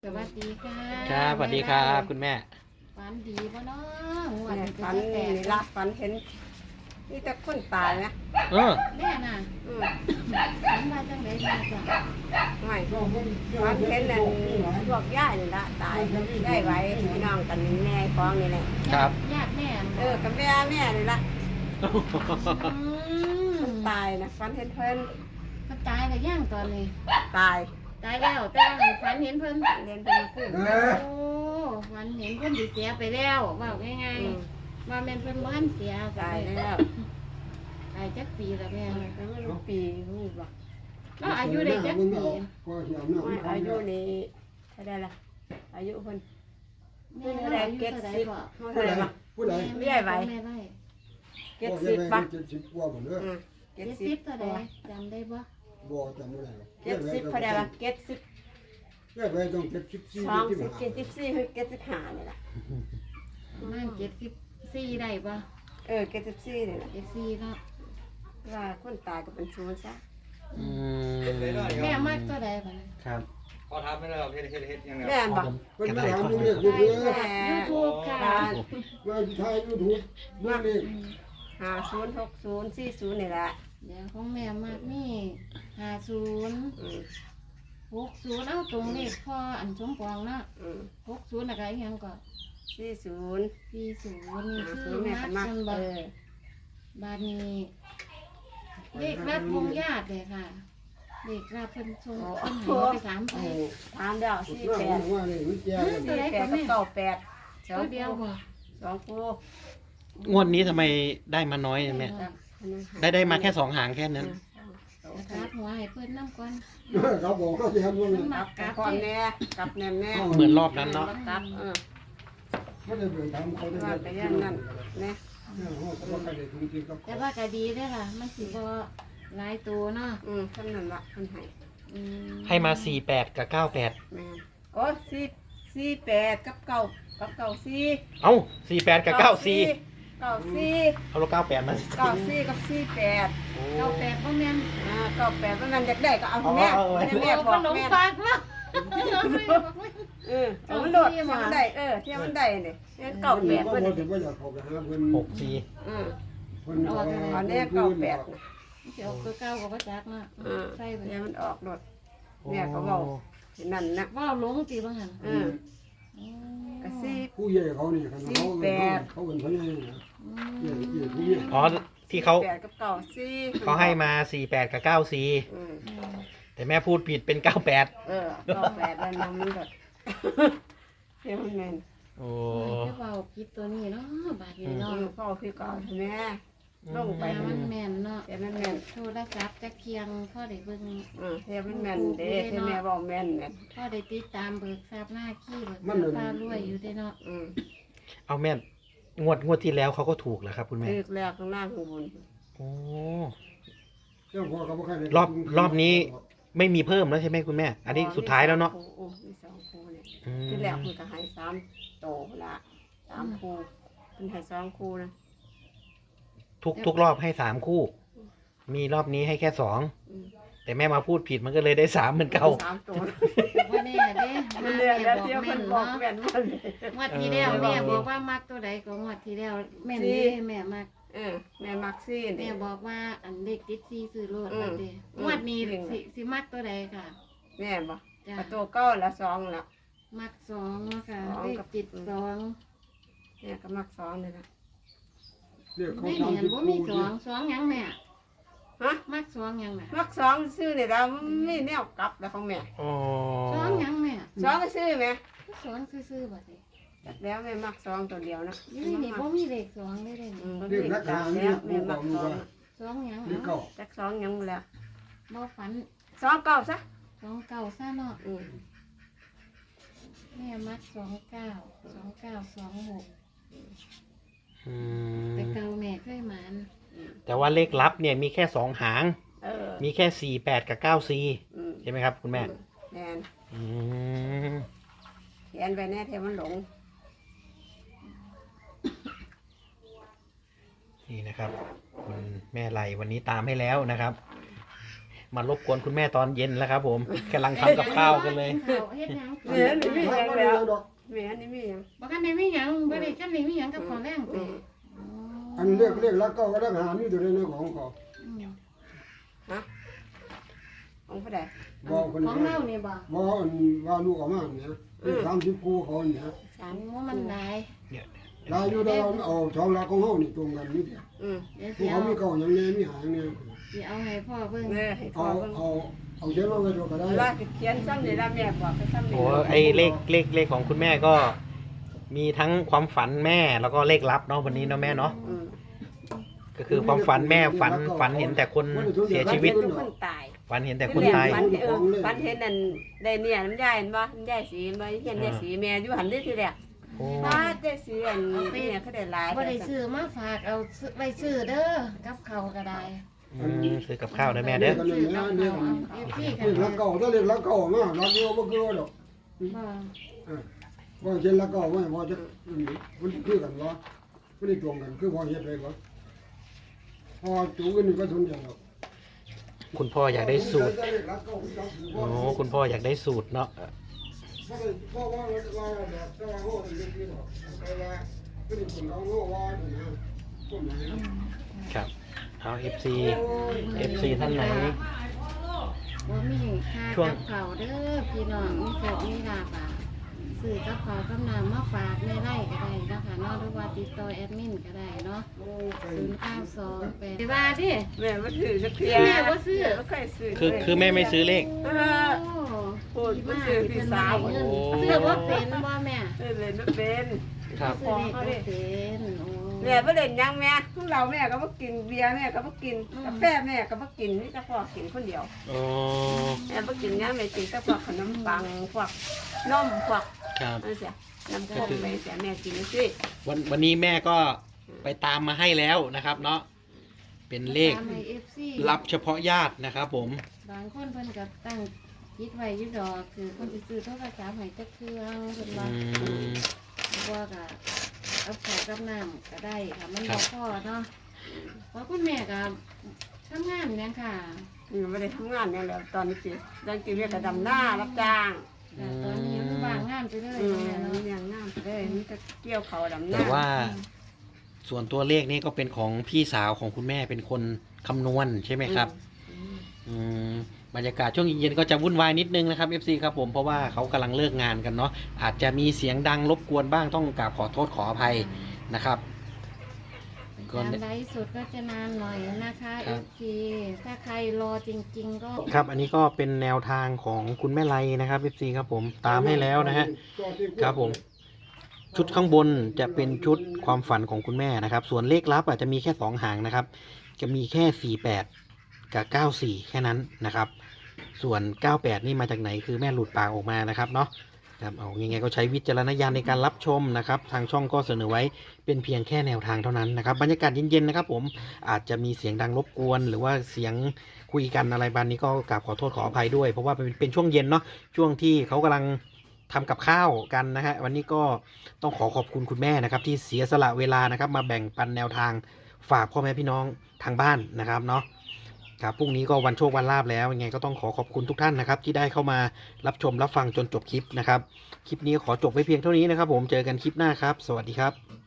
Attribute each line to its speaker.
Speaker 1: สวัสดีค่ะ
Speaker 2: ครับสวัสดีครับคุณแม่
Speaker 1: ฝันดีป่ะเนาะหัว
Speaker 3: เนี่ย
Speaker 1: เป็น
Speaker 3: ฝัน
Speaker 1: แต
Speaker 3: นี่
Speaker 1: ก
Speaker 3: ละฝันเห็นนี่แต่คนตายนะ
Speaker 2: เออ
Speaker 1: แม่น่ะ
Speaker 3: อืม
Speaker 1: ฝันว่าจังไดมาจ้ะ
Speaker 3: ไม่ฝันเห็นนั่นพวกย่ายนี่ละตายย่ายไว้พี่น้องกันนี่แม่ฟ้องนี่แหละ
Speaker 2: ครับ
Speaker 1: ญาติแม่
Speaker 3: กับแม่นี่ละ
Speaker 1: อืม
Speaker 3: ตายนะฝันเห็นเพิ่น
Speaker 1: มันตายแล้วย่างตอนนี้
Speaker 3: ตาย
Speaker 1: ตายแล้วแต่ว่าฝันเห็นเพิ่น
Speaker 3: เรียนเป็นขึ้น
Speaker 1: โอ้ฝันเห็นเพิ่นสิเสียไปแล้วว่าง่าย
Speaker 3: อืม
Speaker 1: ๆว่าแม่นเพิ่นบ่ทันเสีย
Speaker 3: ตายแล้ว
Speaker 1: ตายจักปีแล้วแม่
Speaker 3: ก็ไม่รู้ปีรู้บ่
Speaker 1: ก็อายุได้จักปี
Speaker 3: ไม่อายุนี่เท่าไรล่ะอายุเพิ่น
Speaker 1: แม่
Speaker 3: เท่า
Speaker 1: เรา
Speaker 3: ไร
Speaker 1: อายุ
Speaker 3: เจ็ด
Speaker 1: เท่าใด
Speaker 3: สิบ
Speaker 1: บ่
Speaker 3: เท่าไรบ่
Speaker 4: ผู้ใด
Speaker 1: แม่ไว้แม่ไว้
Speaker 3: เจ็ดสิบบ่
Speaker 4: 70กว่าหมดเด้อ
Speaker 3: เจ็ด
Speaker 1: เจ็ด
Speaker 3: สิ
Speaker 1: สิ
Speaker 3: บบ
Speaker 1: เท่าใดจำได้บ่
Speaker 4: บ่จำบ่ได้
Speaker 3: เจ็ดสิบเท่าไรล่ะเจ็ดสิบ
Speaker 4: แค่ไปต้อง74
Speaker 3: สองสิบเจ็ดสิบสี่คือเจ็ดสิบห้านี่แหละ
Speaker 1: ประมาณ74ได้บ่
Speaker 3: เจ็ดสิบสี่นี่แหละ
Speaker 1: 74เนาะ
Speaker 3: ว่าคนตายก็เป็นศูนย์ซะ
Speaker 2: อืม
Speaker 1: แม่มักตัวใดบ่นะ
Speaker 2: ครับ
Speaker 5: พอทำไม่ได้หรอกเฮ็ดยังไง
Speaker 3: แม่นบอก
Speaker 4: เพิ่นมาถามเรื่องเลขอยู่เด้อ
Speaker 3: แม่
Speaker 1: YouTube ค่ะ
Speaker 4: ว่าสิถ่าย YouTube เรื่องเลข
Speaker 3: 506040นี่แหละ
Speaker 1: เดี๋ยวของแม่มักมี50
Speaker 3: อืม
Speaker 1: 60เอาตรงเลขพ่ออันสมปองเนาะ
Speaker 3: อืม
Speaker 1: 60แล้วก็อีหยังก็
Speaker 3: 40
Speaker 1: 40นี่คือ
Speaker 3: 50แม่
Speaker 1: มั
Speaker 3: ก็
Speaker 1: ก
Speaker 3: มัก
Speaker 1: กันบ่บาดนี้เลขรับวงญาติเลยค่ะเลขรับเพิ่นส่งเพิ่นให้ไปถามไป
Speaker 3: ถามแล้ว
Speaker 4: สุดหน้าผมว่านี่มันแจ้งกัน
Speaker 3: 48กับ98
Speaker 1: ตัวเดียวบ่
Speaker 3: สองคู่
Speaker 2: งวดนี้ทำไมได้มาน้อยเนี่ยแม่ได้มาแค่2 หางแค่นั้น
Speaker 1: นะครับหัวให้เพิ่นนำก่อน
Speaker 4: เขาบอกเขาสิทำว่านั้น
Speaker 3: กับก่อนแน่กับแน่แม่
Speaker 2: เหมือนรอบนั้นเนาะ
Speaker 3: กับ
Speaker 4: เขาได้ไปถามเขาได้
Speaker 3: ว่าไปยันนั่นแน่
Speaker 4: เขาก็ใครได้ทุนจริงกับ
Speaker 1: แต่ว่าก็ดีเด้อล่ะมันสิบ่หลายตัวเนาะ
Speaker 3: ท่านนั่นละท่านให้
Speaker 1: อืม
Speaker 2: ให้มา48กับ98
Speaker 3: แม่โอ้48กับ94
Speaker 2: เอ้า48กับ94
Speaker 3: 94
Speaker 2: เอาลบ98มาสิ
Speaker 3: 94กับ48
Speaker 2: โอ้
Speaker 1: 98บ่แม่น
Speaker 3: 98ว่ามันอยากได้ก็เอาให้แม่
Speaker 2: เอาไว้
Speaker 3: ให้แม่บ
Speaker 1: ข
Speaker 3: อก
Speaker 1: นม
Speaker 3: แม่
Speaker 1: ฝากเนาะ
Speaker 3: เอามันโดดที่มันได้ที่มันได้เนี่ย98
Speaker 4: ก็
Speaker 3: เพิ่น
Speaker 4: บ่ถึงว่าอยากเข้าไปหาเพิ่น
Speaker 2: 64
Speaker 4: เพิ่น
Speaker 3: อันนี้98
Speaker 1: สิออกตัวเก่าก็บ่จักเนาะใส่ไป
Speaker 3: เนี่ยมันออกโดดแม่ก็เว้าที่นั่นนะ
Speaker 1: ว่าหลงติบ่หั่น
Speaker 3: ก็ซี่
Speaker 4: ผู้ใหญ่เขานี่คันเขาเป็นผู้ใหญ่นะใหญ่ผู้ใหญ่
Speaker 2: อ๋อที่เขา
Speaker 3: 8กับ94
Speaker 2: เขาให้มา48กับ94แต่แม่พูดผิดเป็น98
Speaker 3: 98แล้วนำมันโดดเที่ยวมันแม่น
Speaker 2: โอ้
Speaker 1: จะเว้าผิดตัวนี้เนาะบาดนี้
Speaker 3: น้อ
Speaker 1: เนาะ
Speaker 3: งพ่อพี่ก่อนแม่ลงไป
Speaker 1: มันแม่นเนาะ
Speaker 3: เที่ยวมันแม่น
Speaker 1: โทรศัพท์จักเคียงพ่อได้เบิ่ง
Speaker 3: เที่ยวมันแม่นเด้ที่แม่บอกแม่นแม่น
Speaker 1: พ่อได้ติดตามเบิกทราบหน้าขี้เบิกทราบพารวยอยู่ได้เนาะ
Speaker 2: เอาแม่งวดที่แล้วเขาก็ถูกเหรอครับคุณแม่
Speaker 3: ตึกแล้วข้างหน้าข้างบน
Speaker 2: โอ้
Speaker 4: รอบนี้
Speaker 2: ไม่มีเพิ่มแล้วใช่ไหมคุณแม่ อันนี้สุดท้ายแล้วเนาะ
Speaker 3: มี2คู่เนี่ย
Speaker 2: อืม
Speaker 3: ที่แรกมันก็ให้3โตละ3คู่เป็นให้2คู่นะ
Speaker 2: ทุกรอบให้3 คู่ มีรอบนี้ให้แค่2แต่แม่มาพูดผิดมันก็เลยได้3เหมือนเก่า
Speaker 3: 3ตัว
Speaker 1: ว่าแน่เด้
Speaker 3: มันเรียกแล้วเที่ยว
Speaker 1: แม่
Speaker 3: มัน
Speaker 1: น
Speaker 3: บอก
Speaker 1: เนาะ
Speaker 3: แม่นมัน
Speaker 1: งวดที่แล้วแม่บอกว่ามักตัวใดก็งวดที่แล้วแม่นเด้แม่มัก
Speaker 3: แม่มักซี่
Speaker 1: แม่
Speaker 3: นี่
Speaker 1: บอกว่าอันเด็กติดซีซื้อโลด
Speaker 3: อืม
Speaker 1: ว่าเด้
Speaker 3: อืม
Speaker 1: งวดนี้สิมักตัวใดค่ะ
Speaker 3: แม่บอก
Speaker 1: จ้ะ
Speaker 3: ประตูเก้าละ2ละ
Speaker 1: มัก2เนาะค่ะ
Speaker 3: สอง
Speaker 1: เลข
Speaker 3: กับ
Speaker 1: ติด2
Speaker 3: แม่ก็มัก2นี่นะ
Speaker 1: ไม่เห็นบ่มี2หยังแม่
Speaker 3: ฮะ
Speaker 1: มัก2หยังน่ะ
Speaker 3: มัก2ซื้อนี่แล้วไม่แนวกลับแล้วของแม่
Speaker 2: อ๋อ
Speaker 1: 2หยังแม่
Speaker 3: 2ก็ซื้อแม่
Speaker 1: 2ซื่อๆบ่ติ
Speaker 3: จักแล้วแม่มัก2ตัวเดียวนะ
Speaker 1: อยู่ในนี่บ่มีเลข2เลยเด้
Speaker 3: บ่
Speaker 4: เรี
Speaker 3: มี
Speaker 4: ยกนัก
Speaker 3: จั
Speaker 4: ข่าก ว
Speaker 3: แล้
Speaker 4: เรียว ก
Speaker 3: แม่
Speaker 4: ผู้ก
Speaker 3: มั
Speaker 4: อก ง
Speaker 3: 2
Speaker 4: ว่า
Speaker 1: 2หยัง
Speaker 4: เรียกเก่า
Speaker 3: จัก2ยังแล้ว
Speaker 1: บ่ฝัน
Speaker 3: 2เก้าซะ
Speaker 1: 2เก่าซะเนาะ
Speaker 3: อืม
Speaker 1: แม่มัก29
Speaker 2: อื
Speaker 1: 29 แต่
Speaker 2: ม
Speaker 1: เก่าแม่เคยหมาน
Speaker 2: แต่ว่าเลขลับเนี่ยมีแค่2 หาง มีแค่48กับ94
Speaker 3: อืม
Speaker 2: ใช่ไหมครับคุณแม่
Speaker 3: แม่น
Speaker 2: อืม
Speaker 3: เขียนไปแน่เทมันหลง
Speaker 2: นี่นะครับ คุณแม่ไลวันนี้ตามให้แล้วนะครับมารบกวนคุณแม่ตอนเย็นแล้วครับผมกำลังทำกับข้าวกันเลย
Speaker 1: เฮ็ดหยัง
Speaker 3: แม่นี่มีหยังแล้ว
Speaker 4: ดอก
Speaker 3: แม่นี่มีหยัง
Speaker 1: บ่คันได้มีหยังบ่ได้คันได้มีหยังกับของแรงติ
Speaker 4: อันเรียกแล้วก็ได้หามีตัวในของเขา
Speaker 3: ฮะของผู้ใด
Speaker 4: บอกคน
Speaker 1: ของเรานี่บ่
Speaker 4: บอกว่าลูกออกมาเนี่ย30คู่เขาเนี่ย
Speaker 3: สาม
Speaker 1: โอ้มันหลาย
Speaker 4: ลายอยู่ดาวเอาช่องลาของเฮานี่ตรงกันนี่
Speaker 1: เดี๋ยว
Speaker 4: พ
Speaker 1: สิ
Speaker 4: วก
Speaker 1: เอา
Speaker 4: เขามีเก่าอย่างนี้มีหางเนี่ย
Speaker 1: สิเอาให้พ่อเบิ่ง
Speaker 3: แม่ให้พ่อ
Speaker 4: เอา
Speaker 3: เบิ่ง
Speaker 4: เอาเขียนมาไว้ดูก็ได้
Speaker 3: ว่าเขียนซ้ำนี่ละแม่บอกไปซ้ำนี่
Speaker 2: โอ้ไอเลขของคุณแม่ก็ มีทั้งความฝันแม่แล้วก็เลขลับเนาะวันนี้เนาะแม่เนาะ ก็คือความฝันแม่ฝันเห็นแต่คนเสียชีวิต
Speaker 3: ทุกคนตาย
Speaker 2: ฝันเห็นแต่คนตาย
Speaker 3: ฝันเห็นนั่นได้เนี่ยน้ำยายเห็นบ่น้ำยายสีบ่เห็นยายสีแม่อยู่หันได้ทีแรก
Speaker 2: โอ้
Speaker 3: ถ้าได้สีอันเนี่ยเขาได้หลาย
Speaker 1: บ่ได้ซื้อมาฝากเอาไว้ซื้อเด้อกับเขาวก็ได้
Speaker 2: ซื้อกับข้าวนะแม่เด้อ
Speaker 1: ซื้อกับเขาวเอาพี่กั
Speaker 4: เรี
Speaker 1: น
Speaker 4: ยกแล้วเก่าถ้าเรียกแล้วเก่ามากรักเดียวบ่คือดอก
Speaker 1: บ่
Speaker 4: ว่าเขียนแล้วเก่าว่าพอจะมันคือกันวะมันได้ตรงกันคือพอเฮ็ดได้บ่พอจูกันนี่ก็สนใจหรอก
Speaker 2: คุณพ่ออยากได้สูตรโอ้คุณพ่ออยากได้สูตรเนาะ
Speaker 4: เพราะว่าแบบแต่ว่าโง่เป็นเรื่องที่ดอกแต่ว่าคือคนเอาโง่ว่าเนี่ยคนไหน
Speaker 2: ครับเอา FC ท่านไหน
Speaker 1: บ่มีค่า
Speaker 2: ช่วง
Speaker 1: กับเขาวเด้อพี่น้องมีโชคมีลาภอ่ะซื้อกับเขาวกำลังมาฝากในไร่ก็ได้นะคะเนาะหรือว่าติดต่อแอดมินก็ได้เนาะ0928ไปว่าดิ
Speaker 3: แม่บ่ซื้อจักเที่ย
Speaker 1: แม่บ่ซื้อ
Speaker 3: บ่เคยซื้อ
Speaker 2: คือแม่ไม่ซื้อเลข
Speaker 3: เออ พูดบ่ซื้อพี่สาว
Speaker 1: ซื้อบ่เป็นบ่แม่
Speaker 3: ซื้อเลยบ่เป็น
Speaker 2: ครับ
Speaker 1: ซื้อเลขบ่เป็นโอ้
Speaker 3: แม่บ่เล่นหยังแม่ทุกเราแม่ก็บ่กินเบียร์แม่ก็บ่กินกาแฟแม่ก็บ่กินมีแต่พ่อกินคนเดียว
Speaker 2: โอ้
Speaker 3: แม่บ่กินหยังแม่กินแต่พวกขนมปังพวกนมพวก
Speaker 2: ครับ
Speaker 3: นั่นเสียน้ำข้นไปเสียแม่กินจังซี่
Speaker 2: วันนี้แม่ก็ไปตามมาให้แล้วนะครับ เนาะเป็นเลข
Speaker 1: ตามให้ FC
Speaker 2: รับเฉพาะญาตินะครับผม
Speaker 1: บางคนเพิ่นก็ตั้งคิดไว้อยู่ดอกคือคนสิซื้อโทรศัพท์ให้จักเครื่องเพิ่นว่า บ่ก็เอาข้าวกับน้ำก็ได้ค่ะมัน
Speaker 2: ครับ
Speaker 1: บ่พอเนาะเพราะคุณแม่ก็ทำงานหยังค่ะ
Speaker 3: ไม่ได้ทำงานเนี่ยแหล้วตอนนี้สิดังกินเรียกกระดำหน้ารับจ้าง
Speaker 1: แต่ตอนนี้มันว่างงานไปเลย
Speaker 3: อืม
Speaker 1: แม่เนาะ
Speaker 3: เลี้ยงน้ำเลยมีแต่เกี่ยวเขาดำหน้า
Speaker 2: แต่ว่าส่วนตัวเลขนี้ก็เป็นของพี่สาวของคุณแม่เป็นคนคำนวณใช่ไหมครับ อืมบรรยากาศช่วงเย็นๆก็จะวุ่นวายนิดนึงนะครับ FC ครับผมเพราะว่าเขากำลังเลิกงานกันเนาะอาจจะมีเสียงดังรบกวนบ้างต้องกราบขอโทษขออภัยนะครับ
Speaker 1: การไลฟ์สดก็จะนานหน่อยนะคะ
Speaker 2: ครับ
Speaker 1: FC ถ้าใครรอจริงๆก็
Speaker 2: ครับอันนี้ก็เป็นแนวทางของคุณแม่ไลนะครับ FC ครับผมตามให้แล้วนะฮะ ครับผม ชุดข้างบนจะเป็นชุดความฝันของคุณแม่นะครับ ส่วนเลขลับอาจจะมีแค่2หางนะครับ จะมีแค่48กับ94แค่นั้นนะครับ ส่วน98นี่มาจากไหนคือแม่หลุดปากออกมานะครับเนาะครับเอายังไงก็ใช้วิจารณญาณในการรับชมนะครับ ทางช่องก็เสนอไว้เป็นเพียงแค่แนวทางเท่านั้นนะครับ บรรยากาศเย็นๆนะครับ ผมอาจจะมีเสียงดังรบกวน หรือว่าเสียงคุยกันอะไรบานนี้ก็กราบขอโทษขออภัยด้วยเพราะว่าเป็นช่วงเย็นเนาะช่วงที่เขากำลังทำกับข้าวกันนะฮะวันนี้ก็ต้องขอบคุณคุณแม่นะครับ ที่เสียสละเวลานะครับ มาแบ่งปันแนวทางฝากพ่อแม่พี่น้องทางบ้านนะครับเนาะครับพรุ่งนี้ก็วันโชควันลาภแล้วยังไงก็ต้องขอบคุณทุกท่านนะครับ ที่ได้เข้ามารับชมรับฟังจนจบคลิปนะครับ คลิปนี้ขอจบไว้เพียงเท่านี้นะครับ ผมเจอกันคลิปหน้าครับ สวัสดีครับ